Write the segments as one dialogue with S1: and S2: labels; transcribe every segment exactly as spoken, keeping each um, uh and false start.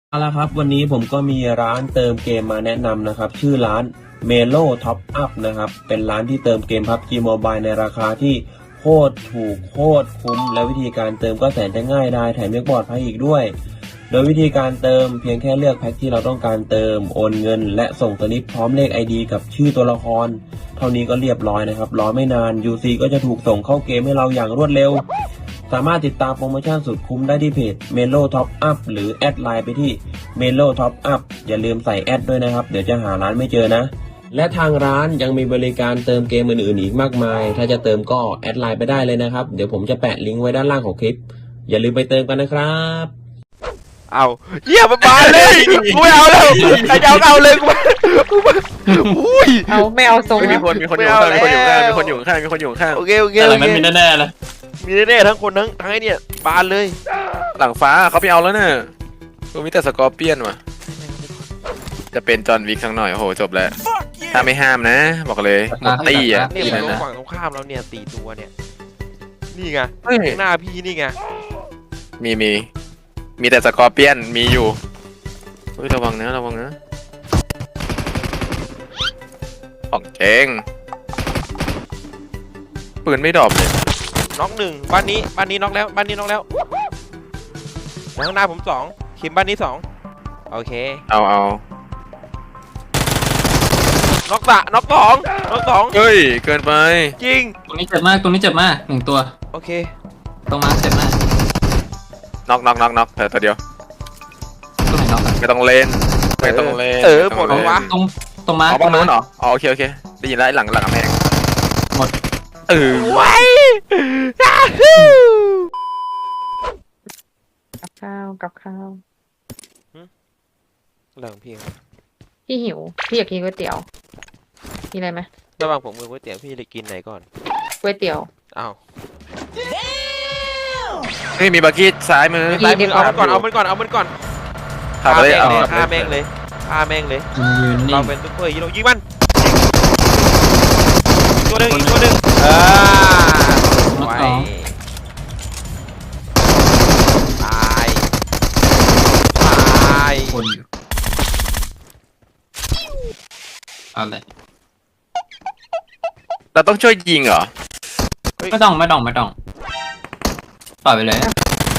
S1: เอาละครับวันนี้ผมก็มีร้านเติมเกมมาแนะนำนะครับชื่อร้าน Melo Top Up นะครับเป็นร้านที่เติมเกม พับจี Mobile ในราคาที่โคตรถูกโคตรคุ้มและวิธีการเติมก็แสนจะง่ายได้แถมยังปลอดภัยอีกด้วยโดยวิธีการเติมเพียงแค่เลือกแพ็คที่เราต้องการเติมโอนเงินและส่งสลิปพร้อมเลข ไอ ดี กับชื่อตัวละครเท่านี้ก็เรียบร้อยนะครับรอไม่นาน ยู ซี ก็จะถูกส่งเข้าเกมให้เราอย่างรวดเร็วสามารถติดตามโปรโมชั่นสุดคุ้มได้ที่เพจ Melo Top Up หรือแอดไลน์ไปที่ Melo Top Up อย่าลืมใส่แอดด้วยนะครับเดี๋ยวจะหาร้านไม่เจอนะและทางร้านยังมีบริการเติมเกมอื่นๆอีกมากมายถ้าจะเติมก็แอดไลน์ไปได้เลยนะครับเดี๋ยวผมจะแปะลิงก์ไว้ด้านล่างของคลิปอย่าลืมไปเติมกันนะครับ
S2: เอาเยี่ยมมาเลยกูไม่เอาแล้วใครจะเอาเอาเลยกูอุ้ย
S3: เอาไม่เอาทรง
S4: มีคนมีคนอยู่ข้างมีคนอยู่ข้างมีคนอยู่ข้างมีคนอยู่ข้าง
S2: โอเคโอเค
S4: หลังนั้นมีแน่ๆเลย
S2: มีแน่ๆทั้งคนทั้งทั้งไอ้เนี่ยบานเลย
S4: หลังฟ้าเขาไปเอาแล้วเนี่ยกูมีแต่สกอร์เปียนว่ะจะเป็นจอห์นวิกสักหน่อยโอ้โหจบแล้วถ้าไม่ห้ามนะบอกเลยหมดตี้อ่ะ
S2: เนี่ย
S4: ที่
S2: มั
S4: นั่
S2: น
S4: น
S2: ต้อง
S4: นะ
S2: ฝั่งตรงข้ามแล้วเนี่ยตีตัวเนี่ยนี่ไงหน้าพี่นี่ไง
S4: มีมีมีแต่สกอร์เปียนมีอยู่เฮ้ยระวังนะระวังนะของเจงปืนไม่ดรอปเลย
S2: น็อกหนึ่งบ้านนี้บ้านนี้น็อกแล้วบ้านนี้น็อกแล้วข้างหน้าผมสองคิมบ้านนี้สองโอเค
S4: เอาเอา
S2: น็อกสะน็อกสองน็อกสอง
S4: เฮ้ยเกินไป
S2: จริง
S5: ตรงนี้เจ็บมากตรงนี้เจ็บมากหนึ่งตัว
S2: โอเค
S5: ตรงมาเจ็บมาก
S4: น็อกน็อกน็อกน็อกเธอตัวเดียว
S5: ตรงไหนน็อก
S4: ไม่ต้องเล่นไม่ต้องเล่น
S2: เออหมดแล้ววะ
S5: ตรงตรงมา
S4: อ๋อบ้านนู้นเหรออ๋อโอเคโอเคได้ยินแล้วหลังหลังกำแพง
S5: หมด
S4: เออ
S2: ไว้
S3: กับข้าวกับข้าว
S2: เรื่องพี่
S3: พี่หิวพี่อยากกินก๋วยเตี๋ยวมีอะไรไหม
S2: ระหว่างผมกับก๋วยเตี๋ยวพี่จะกินไหนก่อน
S3: ก๋วยเตี๋ยว
S2: อ้าว
S4: เฮ้ยมีบักกี้ซ้ายมือ
S2: ซ้ายมือเอามันก่อนเอามันก่อนเอามันก่อน
S4: ขับไปเลยเอา
S2: ฆ่าแม่งเลยฆ่าแม่งเลยเราเป็นซุปเปอร์ฮีโร่ยิงมันตัวหนึ่งอีกตัวหนึ่งอ่าไว้ตายตาย
S5: คนอยู่อะไร
S4: เราต้องช่วยยิงเหรอ
S5: ไม่ต้องไม่ต้องไม่ต้องปล่อยไปเลย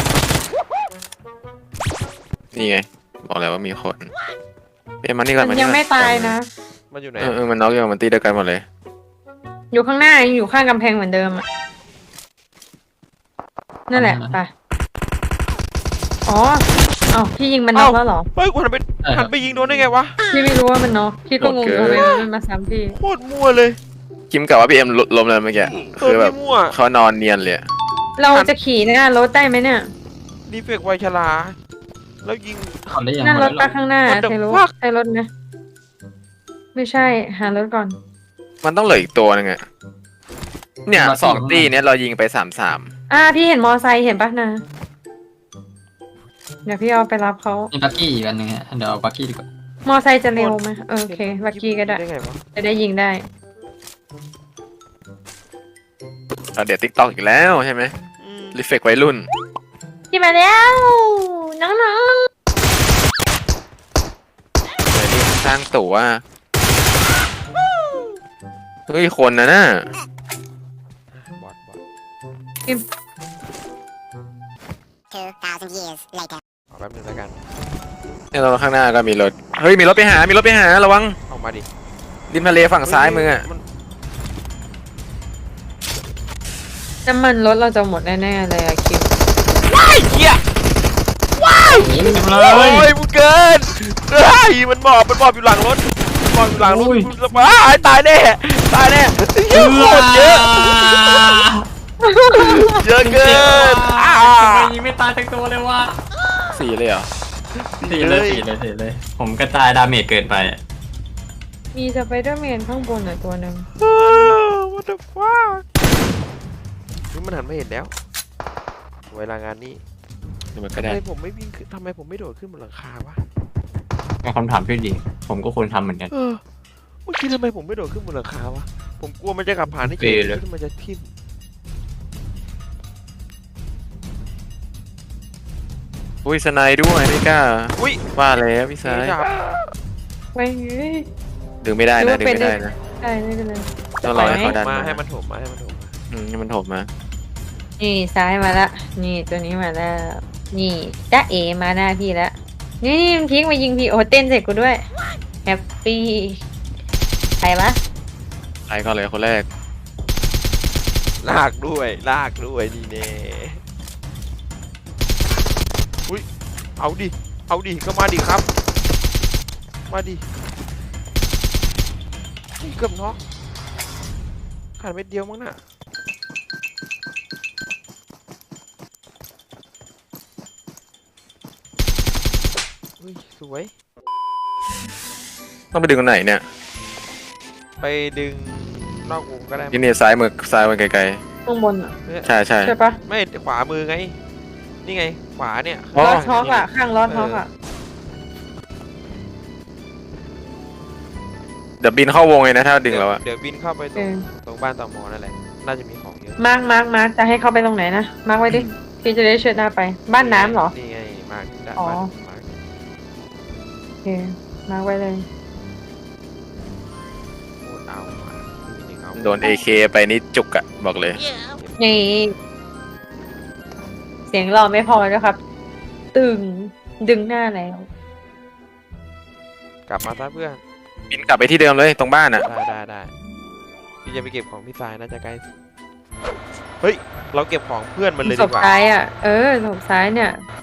S4: นี่ไงบอกแล้วว่ามีคนเอ็มมันนี่ก่อน
S3: มันยังไม่ตายนะ
S2: มันอยู่ไหน
S4: เออมันน็อกอยู่มันตีเดียวกันหมดเลย
S3: อยู่ข้างหน้ายังอยู่ข้างกำแพงเหมือนเดิมอ่ะนั่นแหละไปอ๋อเอ้าพี่ยิงมันน็อกแล้วเหรอ
S2: เฮ้ยกูหันไปหันไปยิงโดนได้ไงวะ
S3: พี่ไม่รู้ว่ามันน็อกพี่ก็งงทำไมมันมาซ้ำพี่
S2: โคตรมั่วเลย
S4: คิมกล่าวว่าพี่เอ็มล้มเลยเมื่อกี้คือแบบเขานอนเนียนเลย
S3: เราจะขี่หน้ารถได้ไหมเนี่ย
S2: ดีเฟกไวชลาแล้วยิง
S3: นั่นรถไปข้างหน้าใช่รถใช่รถนะไม่ใช่หารถก่อน
S4: มันต้องเหลืออีกตัวนึงอะเนี่ยสองตีเนี้ยเรายิงไปสามสาม
S3: อ่าพี่เห็นมอไซค์เห็นปะนะเดี๋ยวพี่เอาไปรับเขา
S5: มีบักกี้อีกอันนึงฮะเดี๋ยวเอาบักกี้ดีกว่าม
S3: อไซค์จะเร็วไหมโอเคบักกี้ก็ได้จะได้ยิงได้
S4: เราเดี๋ยวติ๊กต็อกอีกแล้วใช่ไหมรีเฟกวัยรุ่น
S3: ที่มาแล้วน้อง
S4: ๆเลยนี่สร้างตัวเฮ้ยคนนะน่ะ
S2: บอทบอท
S3: กิม
S6: two thousand years later
S2: เอาแป๊บนึงแล้วกัน
S4: เนี่ยเราข้างหน้าก็มีรถเฮ้ยมีรถไปหามีรถไปหาระวัง
S2: ออกมาดิ
S4: ริมทะเลฝั่งซ้ายมืออะ
S3: น้ำมันรถเราจะหมดแน่ๆเลยอะคิม
S2: ว้ายเหี้ยว้ายโอ้ยมึงเกินเฮ้ยมันบอบมันบอบอยู่หลังรถบอบอยู่หลังรถว้ายตายแน่ตายแน่เยอะโคตรเยอะเยอะเกิน
S5: ทำไมยิงไม่ตายทั้งตัวเลยวะ
S4: สี่เลยเหรอ
S5: สี่เลยสี่เลยสี่เลยผมกระจายดาเมจเกินไป
S3: มีสไปเดอร์แมนข้างบนหน่อยตัวหนึ่ง
S2: what the fuck นี่มันหันไม่เห็นแล้วเวลางานนี้ทำไมผมไม่วิ่งทำไมผมไม่โดดขึ้นบนหลังคาวะ
S5: เป็นคำถามที่ดีผมก็ควรทำเหมือนกัน
S2: เออเมื่อกี้ทำไมผมไม่โดดขึ้นบนหลังคาวะผมกลัวมันจะขับผ่านที่เฉยๆมันจะทิ่ม
S4: อุ้ยสไนด์ด้วยไม่กล้า
S2: อุ้ย
S4: ว่าแล้วพี่ซ้าย
S2: จับ
S3: ไม่เฮ้ย
S4: ดึงไม่ได้
S3: นึ
S4: นะ
S3: ก
S4: ดึ
S3: ว่าง เป็น
S4: ไม่ได้นะ
S3: ใช่ไม่เป็นไร
S4: ต้องรอให้เขาดัน
S2: มา
S4: มา
S2: ให้มันถมมาให้มันถมมา
S4: อืมให้มันถมมา
S3: นี่ซ้ายมาละนี่ตัวนี้มาแล้วนี่จ้าเอมาหน้าพี่แล้วนี่นี่มันทิ้งมายิงพี่โอ้เต้นเสร็จกูด้วยแฮปปี้ใครวะ
S4: ใครก็เลยคนแรก
S2: ลากด้วยลากด้วยนี่เน่อุ้ยเอาดิเอาดิก็มาดิครับมาดินี่เกือบน็อกขาดเม็ดเดียวมั้งน่ะอุ้ยสวย
S4: ต้องไปดึงคนไหนเนี่ย
S2: ไปดึงนอกวงก็ได้
S4: ที่นี่ซ้ายมือซ้ายมือไกล
S3: ข้างบนอ่ะ
S4: ๆใช่ใช่
S3: ใช่ปะ
S2: ไม่ขวามือไงนี่ไงขวาเนี่ย
S4: อ๋อ
S3: ล้อท็อกอ่ะข้างล้อท็อกอ่ะ
S4: เดี๋ยวบินเข้าวงเลยนะถ้าดึงแล้วอะ
S2: เดี๋ยวบินเข้าไปต
S3: เอ
S2: รง
S3: อ
S2: ตรงบ้านต่อมอนั่นแหละน่าจะมีของเยอะ
S3: มาร์กมาร์กมาร์กจะให้เข้าไปตรงไหนนะมาร์กไว้ดิพี่จะได้เชิดหน้าไปบ้านน้ำเหรอ
S2: นี่ไงมาร์คได้
S3: อ๋อ
S2: บ้านมาร์ค
S3: โอเคมาร์กไว้เลย
S2: โคตรเอามานี่เอา
S4: โดน เอ เค ไปนี่จุกอะบอกเลย
S3: นี่เสียงรอไม่พอแล้วครับ ตึงดึงหน้าแล้ว
S2: กลับมาซะเพื่อน
S4: บินกลับไปที่เดิมเลยตรงบ้านอะ
S2: ได้ได้ได้พี่จะไปเก็บของพี่ทรายน่าจะใกล้เฮ้ยเราเก็บของเพื่อนมันเลย
S3: ศ
S2: ดี
S3: พ
S2: กว่า
S3: ซ้ายอ่ะ เออศพซ้ายเนี่ย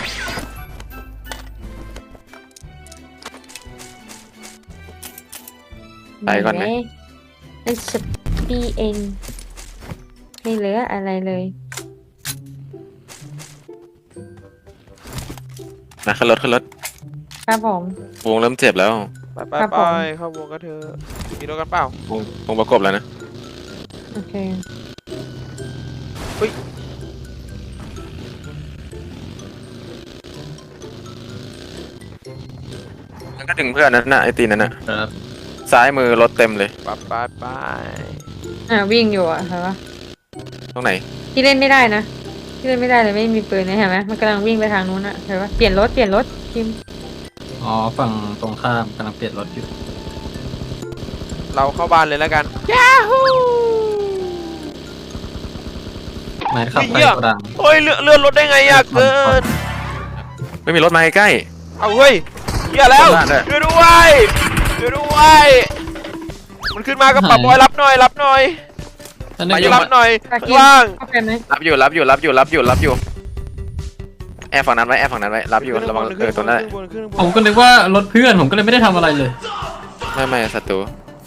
S4: ไปก่อนไหม
S3: ไอ้สปีเองไม่เหลืออะไรเลย
S4: นะขึ้นรถขึ้นรถ
S3: ครับผม
S4: วงเริ่มเจ็บแล้ว
S2: ไปไป
S3: ครับ
S2: ไป
S3: ผม
S2: เข้าวงกันเถอะมีรถกันเปล่าว
S4: งวงประกบแล้วนะ
S3: โอเค
S4: มันก็ดึงเพื่อนนั่นน่ะไอตีนนั่นน่ะ
S5: ครับ
S4: ซ้ายมือรถเต็มเลย
S2: ไปไปไป
S3: อ่าวิ่งอยู่อ่ะเห็นปะ
S4: ตรงไหน
S3: ที่เล่นไม่ได้นะที่เล่นไม่ได้เลยไม่มีปืนนะเห็นไหมมันกำลังวิ่งไปทางนู้นอ่ะเห็นปะเปลี่ยนรถเปลี่ยนรถคิม
S5: อ๋อฝั่งตรงข้ามกำลังเปลี่ยนรถอยู่
S2: เราเข้าบ้านเลยแล้วกัน
S5: ไม่ขับไปโกดัง
S2: โอ้ยเลื่อนเลื่อนรถได้ไงอะเกิน
S4: ไม่มีรถมาใกล้
S2: เอาเฮ้ยเหี้ยแล้ว
S4: บ้านด้วย
S2: ช่วยด้วยช่วยด้วยมันขึ้นมาก็ปรับบอยรับหน่อยรับหน่อย
S5: แล้ว
S2: มา
S5: นี่
S2: รับหน่อย
S3: ตะ
S2: ข้าง
S3: กิม
S2: ล่าง
S3: เข้าไปไหม
S4: รับอยู่รับอยู่รับอยู่รับอยู่รับอยู่แอบฝั่งนั้นไว้แอบฝั่งนั้นไว้รับอยู่ระวังเออตรงนั้นแหละ
S2: ขึ้นบนขึ้นบ
S5: ผม
S2: น
S5: ก็นึกว่ารถเพื่อนผมก็เลยไม่ได้ทำอะไรเลย
S4: ไม่ไม่ศัตรู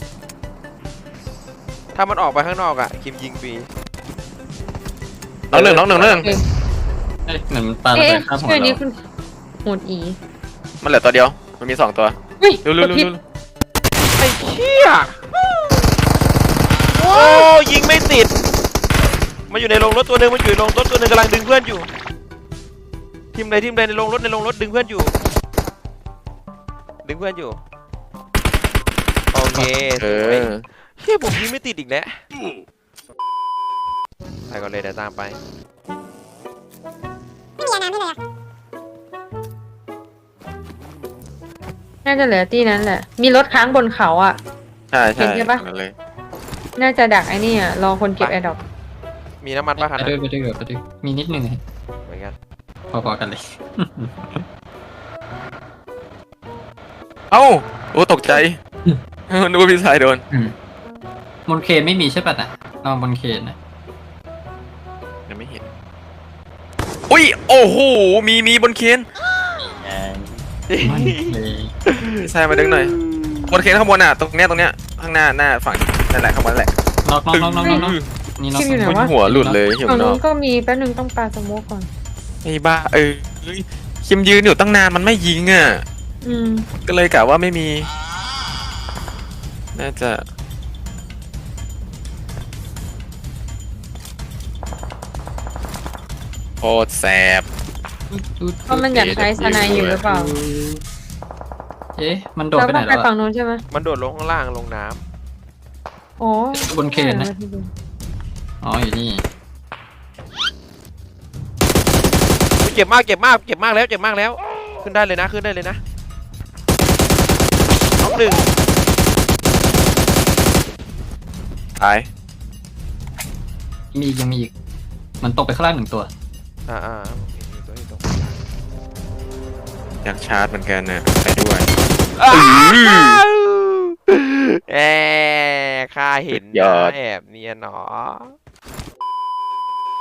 S2: ถ้ามันออกไปข้างนอกอะคิมยิงฟรี
S4: น้องหนึ่งน้องหนึ่งน้องหนึ่ง
S5: เอ้ยเหมือนมันปาระ
S3: เอ๊ะ
S5: เบิดข้ามหัว
S3: ชื่อนี้
S5: เรา
S3: คุณหมุดอี
S4: มันเหลือตัวเดียวมันมีสองตัว
S3: เฮ้ย
S4: เร็วเร็ว
S3: กด
S4: เร็ว
S3: ผิด
S4: เร็ว
S2: ไอ้เหี้ยโอ้ยิงไม่ติดมันอยู่ในโรงรถตัวหนึ่งมันอยู่ในโรงรถตัวหนึ่งกำลังดึงเพื่อนอยู่ทีมใดทีมใดในโรงรถในโรงรถดึงเพื่อนอยู่ ดึงเพื่อนอยู่โอเค
S4: เอ
S2: สวย
S4: อ
S2: เฮ้ยผมยิงไม่ติดอีกแล้วไปก่อนเลยเดี๋ยวตามไป
S6: ไม่มีน้ำให้เลยอะ
S3: น่าจะเหลือที่นั้นแหละ มีรถค้างบนเขาอ่ะ
S4: ใช่ใช่
S3: เห็นใช่ปะ
S4: นั่นเลย
S3: น่าจะดักไอ้นี่อ่ะรอคนเก็บแอร์ดรอป
S2: มีน้ำมันป่ะคัน
S5: ไป
S2: นั้น
S5: ด้วยไปด้วยไปด้วยมีนิดนึง
S2: เหมือนกัน
S5: พอๆกันเลย
S4: เอ้าโอ้ตกใจนึกว่าพี่ชายโดน
S5: บนเคนไม่มีใช่ปะน่ะลองบนเคนนะ
S4: ยังไม่เห็นอุ้ยโอ้โหมีมีบนเคน
S5: ไม่เลย
S4: พี่ชายมาดึงหน่อยบนเคนข้างบนอ่ะตรงเนี้ยตรงเนี้ยข้างหน้าหน้าฝั่งนั่นแหละข้างบนนั่นแหละ
S5: น็อกน็อกน็อกน็อกน็อกนี่น็อก
S3: คิมอยู่ไหน
S4: มัน
S3: วะ
S4: หัวหลุดเลยเห็น
S3: ฝั่ง
S4: เนาะ
S3: นู้นก็มีแป๊บนึงต้องปาสโมกก่อน
S4: ไอ้บ้าเออเฮ้ยคิมยืนอยู่ตั้งนานมันไม่ยิงอ่ะ
S3: อืม
S4: ก็เลยกะว่าไม่มี น่าจะโคตรแสบ
S3: เพราะมันอยากใช้สไนอยู่หรือเปล่า
S5: เอ๊ะมันโดด
S3: เรา
S5: ไปไห
S3: ต้
S5: น
S3: องไป
S5: แล้ว
S3: ฝั่
S5: อะ
S3: งนู้นใช่ไหม
S2: มันโดดลงข้างล่างลงน้
S3: อ๋อบ
S5: นเคนนะอ๋ออยู่นี่
S2: เจ็บมากเจ็บมากเจ็บมากแล้วเจ็บมากแล้วขึ้นได้เลยนะขึ้นได้เลยนะน้องหนึ่ง
S4: ตาย
S5: มีอีกยังมีอีกมันตกไปข้างล่างหนึ่งตัว
S2: อ่าอ่าตัวนี้ตัว
S4: อยากชาร์จเหมือนกันนะไปด้วย
S2: แอบข้าเห็นนะแอบเนียนหนอ